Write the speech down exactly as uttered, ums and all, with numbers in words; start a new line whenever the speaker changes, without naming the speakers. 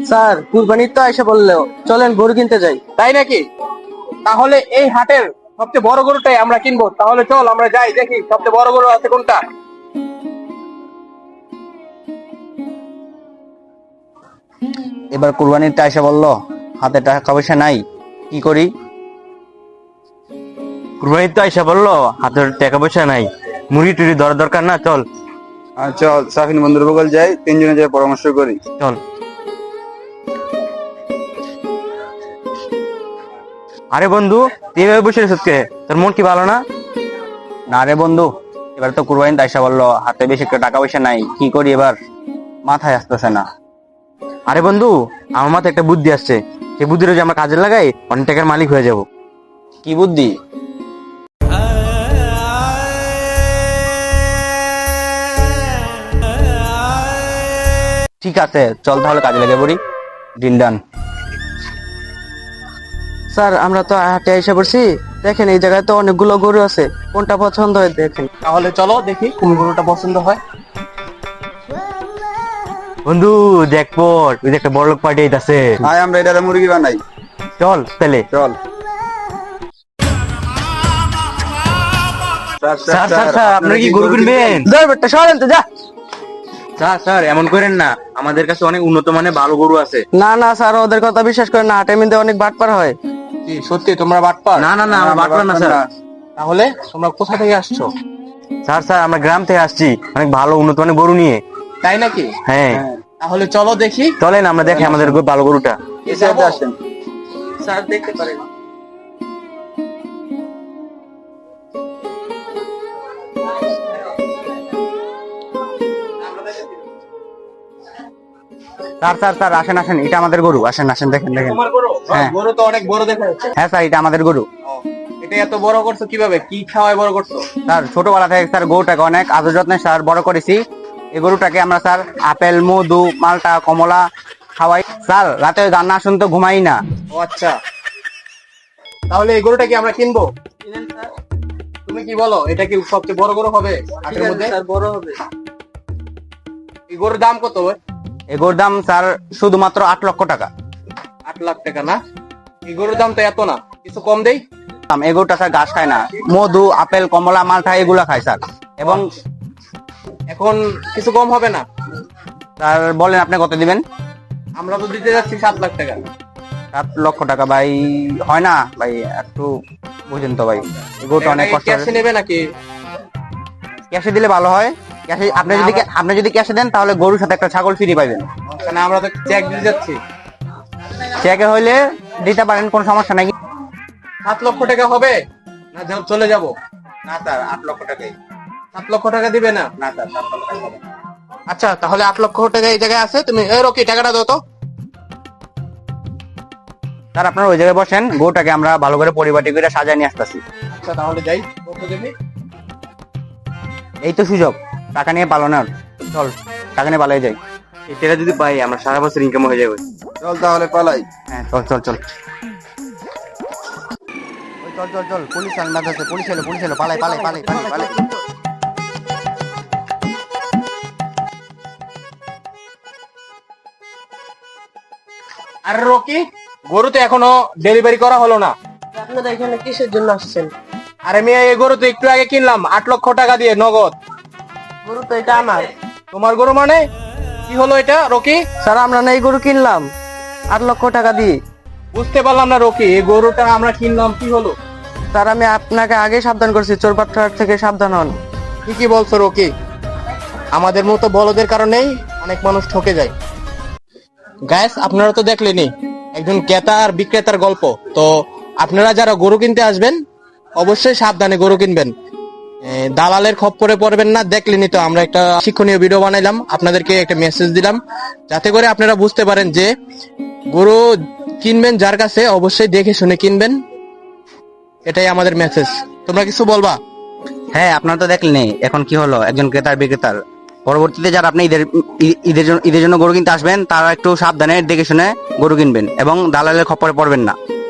Sir কুরবানির তো এসে বললো, চলেন গরু কিনতে যাই।
তাই নাকি? তাহলে এই হাটের সবচেয়ে বড় গরুটাই আমরা কিনবো। তাহলে চল আমরা যাই, দেখি সবচেয়ে বড় গরু আছে কোনটা।
এবার কুরবানিরটা এসে বললো হাতে টাকা পয়সা নাই, কি করি?
কুরবানির তো আইসা বললো হাতের টাকা পয়সা নাই, মুড়ি টুড়ি ধরার দরকার না, চল
আর চল সাফিন বন্ধুর বগল যাই, তিনজনে যাই পরামর্শ করি।
চল। আরে বন্ধু, তুই এভাবে বসে রেছিস কে? তোর মন কি ভালো না?
না রে বন্ধু, এবার তো কুরবানিতে আইসা বললো হাতে বেশি একটা টাকা পয়সা নাই, কি করি এবার? মাথায় আসতেছে না।
আরে বন্ধু, আমার মাথায় একটা বুদ্ধি আসছে। সেই বুদ্ধিটা যদি আমরা কাজে লাগাই, অনেক টাকার মালিক হয়ে যাব।
কি বুদ্ধি? ঠিক আছে, চল তাহলে কাজে লেগে পড়ি। Deal done.
স্যার আমরা তো হাটে এসে পড়ছি, দেখেন এই জায়গায় তো অনেকগুলো গরু আছে, কোনটা পছন্দ হয় দেখেন।
তাহলে চলো দেখি কোন গরুটা পছন্দ হয়।
বন্ধু দেখ পর, ওই যে একটা বড় লোক পার্টি আছে।
আয় আমরা এটা মুরগি বানাই।
চল তাহলে।
চল
স্যার স্যার স্যার, আপনারা কি গরু কিনবেন?
ধর বেটা, সরেন তো, যা।
স্যার স্যার, এমন করেন না, আমাদের কাছে অনেক উন্নত মানের ভালো গরু আছে।
না না স্যার, ওদের কথা বিশ্বাস করেন না, হাটের মধ্যে অনেক বাটপার হয়।
কি সত্যি তোমরা বাটপার?
না না না, আমরা বাটপার না স্যার।
তাহলে তোমরা কোথা থেকে আসছো?
স্যার স্যার, আমরা গ্রাম থেকে আসছি, অনেক ভালো উন্নত মানের গরু নিয়ে।
তাই নাকি?
হ্যাঁ,
তাহলে চলো দেখি।
চলেন আমরা দেখি আমাদের গরু- ভালো গরুটা।
এসে আসেন।
স্যার দেখতে পারেন।
স্যার স্যার স্যার, আসেন আসেন, এটা আমাদের গরু, আসেন আসেন, দেখেন দেখেন।
তোমার গরু?
হ্যাঁ।
গরু তো অনেক বড় দেখা যাচ্ছে।
হ্যাঁ স্যার, এটা আমাদের গরু।
এটা এত বড় করছো কিভাবে? কি খাওয়ায় বড় করছো?
স্যার ছোটবেলা থেকে স্যার গরুটাকে অনেক আদর যত্নে স্যার বড় করেছি। এই গরুটাকে আমরা স্যার আপেল, মধু, মালটা, কমলা খাওয়াই। স্যার রাতে গান না শুনতে ঘুমাই না।
ও আচ্ছা, তাহলে এই গরুটা কি আমরা কিনবো? তুমি কি বলো, এটা কি সবচেয়ে বড় গরু হবে হাটের মধ্যে?
স্যার বড় হবে।
এই গরুর দাম কত?
এই গরুর দাম স্যার শুধুমাত্র আট লক্ষ টাকা।
আট লাখ টাকা না? এই গরুর দাম তো এত না, কিছু কম দেই।
এই গরুটা স্যার ঘাস খায় না, মধু, আপেল, কমলা, মালটা এগুলা খায় স্যার। এবং
এখন কিছু কম হবে না?
স্যার বলেন আপনি কত দিবেন?
আমরা তো দিতে যাচ্ছি সাত লাখ টাকা।
সাত লক্ষ টাকা ভাই হয় না ভাই, একটু বুঝেন তো ভাই, এই গরুটা অনেক কষ্ট।
ক্যাশে নেবে নাকি?
ক্যাশে দিলে ভালো হয়। ক্যাশে আপনি যদি আপনি যদি ক্যাশে দেন তাহলে গরুর সাথে একটা ছাগল ফ্রি পাইবেন।
মানে আমরা তো চেক দিতে যাচ্ছি।
চেকে হইলে দিতে পারেন, কোনো সমস্যা নাই।
সাত লক্ষ টাকা হবে না যাও চলে যাব?
না স্যার, আট লক্ষ টাকাই।
সাত লক্ষ টাকা দিবে না?
না স্যার, সাত লক্ষ টাকা হবে না।
আচ্ছা তাহলে আট লক্ষ টাকা এই জায়গায় আছে, তুমি এই রকি টাকাটা দাও তো।
স্যার আপনারা ওই জায়গায় বসেন, গরুটাকে আমরা ভালো করে পরিপাটি করে সাজায় নিয়ে আসতেছি।
আচ্ছা তাহলে যাই, কত দেবে?
এই তো সুযোগ টাকা নিয়ে পালানোর, চল টাকা নিয়ে পালাই যাই।
এই টাকা যদি পাই, আমরা সারা বছর ইনকাম হয়ে যাবে।
চল তাহলে পালাই।
হ্যাঁ চল চল চল। ওই চল চল চল, পুলিশ আন্দাজ আছে, পুলিশ এলো পুলিশ এলো, পালাই পালাই পালাই পালাই পালাই।
আরে রকি, গরু তো এখনো ডেলিভারি করা হলো না।
আপনারা এখানে কিসের জন্য আসছেন?
আরে মেয়ে, এই গরু তো একটু আগে কিনলাম আট লক্ষ টাকা দিয়ে নগদ।
গরু তো এটা আমার।
তোমার গরু মানে? কি হলো এটা রকি?
স্যার আমরা না এই গরু কিনলাম আট লক্ষ টাকা দিয়ে।
বুঝতে পারলাম না রকি, এই গরুটা আমরা কিনলাম, কি হলো?
স্যার আমি আপনাকে আগে সাবধান করছি, চোরবাট্টার থেকে সাবধান হন।
ঠিকই বলছো রকি, আমাদের মতো বলদের কারণেই অনেক মানুষ ঠকে যায়। গাইস আপনারা তো দেখলেনই একজন ক্রেতা আর বিক্রেতার গল্প। তো আপনারা যারা গরু কিনতে আসবেন অবশ্যই সাবধানে গরু কিনবেন, এ, দালালের খপ্পরে পড়বেন না। দেখলেনই তো, আমরা একটা শিক্ষণীয় ভিডিও বানাইলাম, আপনাদেরকে একটা মেসেজ দিলাম যাতে করে আপনারা বুঝতে পারেন যে গরু কিনবেন যার কাছে অবশ্যই দেখে শুনে কিনবেন। এটাই আমাদের মেসেজ। তোমরা কিছু বলবা?
হ্যাঁ আপনারা তো দেখলেন এখন কি হলো, একজন ক্রেতার বিক্রেতার। পরবর্তীতে যারা আপনি ঈদের ই- ঈদের জন্য ঈদের জন্য গরু কিনতে আসবেন তারা একটু সাবধানে দেখে শুনে গরু কিনবেন এবং দালালের খপ্পরে পড়বেন না।